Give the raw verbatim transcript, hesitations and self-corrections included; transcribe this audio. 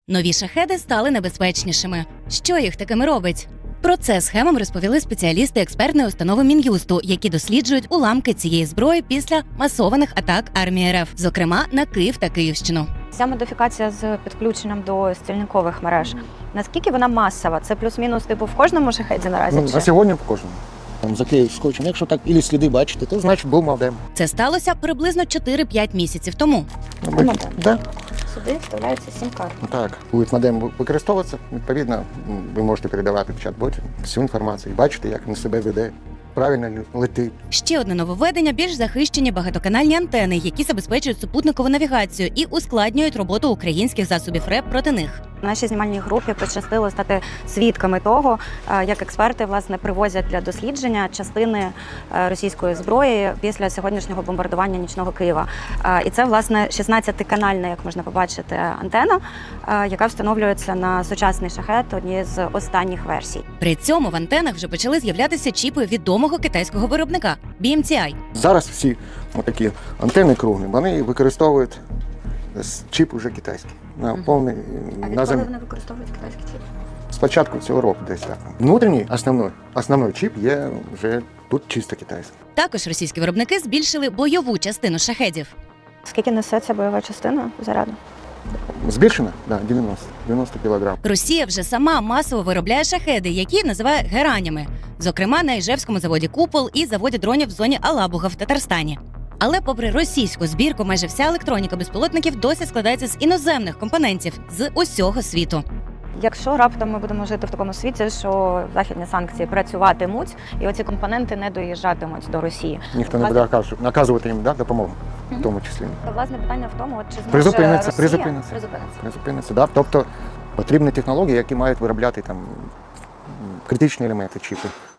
Нові шахеди стали небезпечнішими. Що їх такими робить? Про це схемам розповіли спеціалісти експертної установи Мін'юсту, які досліджують уламки цієї зброї після масованих атак армії РФ, зокрема на Київ та Київщину. Ця модифікація з підключенням до стільникових мереж, наскільки вона масова? Це плюс-мінус типу в кожному шахеді наразі? Ну, чи? на сьогодні по кожному. Там заклеїв скотчем. Якщо так ілі сліди бачите, то значить був модем. Це сталося приблизно чотири-п'ять місяців тому. Ну, ми- Модем. Да, Сюди вставляється сім-карта. так. Буде модем використовуватися, відповідно, ви можете передавати в чат-боті всю інформацію. Бачите, як він себе веде, правильно летить. Ще одне нововведення – більш захищені багатоканальні антени, які забезпечують супутникову навігацію і ускладнюють роботу українських засобів РЕП проти них. Нашій знімальній групі пощастило стати свідками того, е, як експерти власне привозять для дослідження частини е, російської зброї після сьогоднішнього бомбардування нічного Києва. Е, І це власне шістнадцятиканальна, як можна побачити, антена, е, яка встановлюється на сучасний шахет, однієї з останніх версій. При цьому в антенах вже почали з'являтися чіпи відомого китайського виробника – бі ем ті ай. Зараз всі такі антени круглі, вони використовують с- чіп уже китайський. На повний на зем... вони використовують китайський чіп? Спочатку цього року десь так. Внутрішній основний, основний чіп є вже тут чисто китайський. Також російські виробники збільшили бойову частину шахедів. Скільки несе ця бойова частина заряду? Збільшено? Да, дев'яносто. дев'яносто кілограм. Росія вже сама масово виробляє шахеди, які називає геранями. Зокрема, на Іжевському заводі «Купол» і заводі дронів в зоні Алабуга в Татарстані. Але попри російську збірку, майже вся електроніка безпілотників досі складається з іноземних компонентів з усього світу. Якщо раптом ми будемо жити в такому світі, що західні санкції працюватимуть, і оці компоненти не доїжджатимуть до Росії. Ніхто не буде наказ- наказувати їм, да, допомогу, в тому числі. Власне питання в тому, от чи зможе Призупиниться, Росія призупиниться. призупиниться. Призупиниться, да. Тобто потрібні технології, які мають виробляти там м, критичні елементи чіпи.